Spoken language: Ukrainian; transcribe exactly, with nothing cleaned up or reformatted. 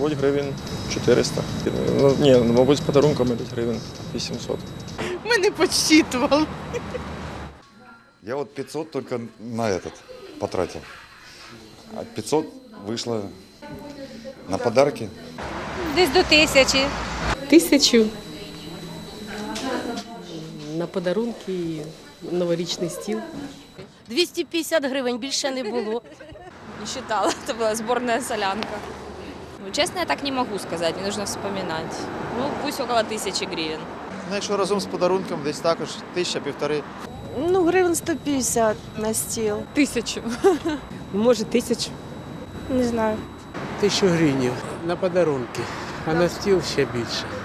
мабуть, гривень чотириста. Ну, ні, мабуть, з подарунками десь гривень вісімсот. Ми не підсчитували. Я вот пятьсот только на этот потратил. А пятьсот вышло на подарки. Десь до тисячі. Тисячу на подарунки і новорічний стіл. двісті п'ятдесят гривень, більше не було. Не считала, это была сборная солянка. Ну, честно, я так не могу сказать, мне нужно вспоминать. Ну, пусть около тысячи гривен. Ну, якщо разом з подарунком, десь також тисяча-півтори. Ну, гривень сто п'ятдесят на стіл. Тисячу. Може, тисячу. Не знаю. Тисячу гривень на подарунки, а на стіл ще більше.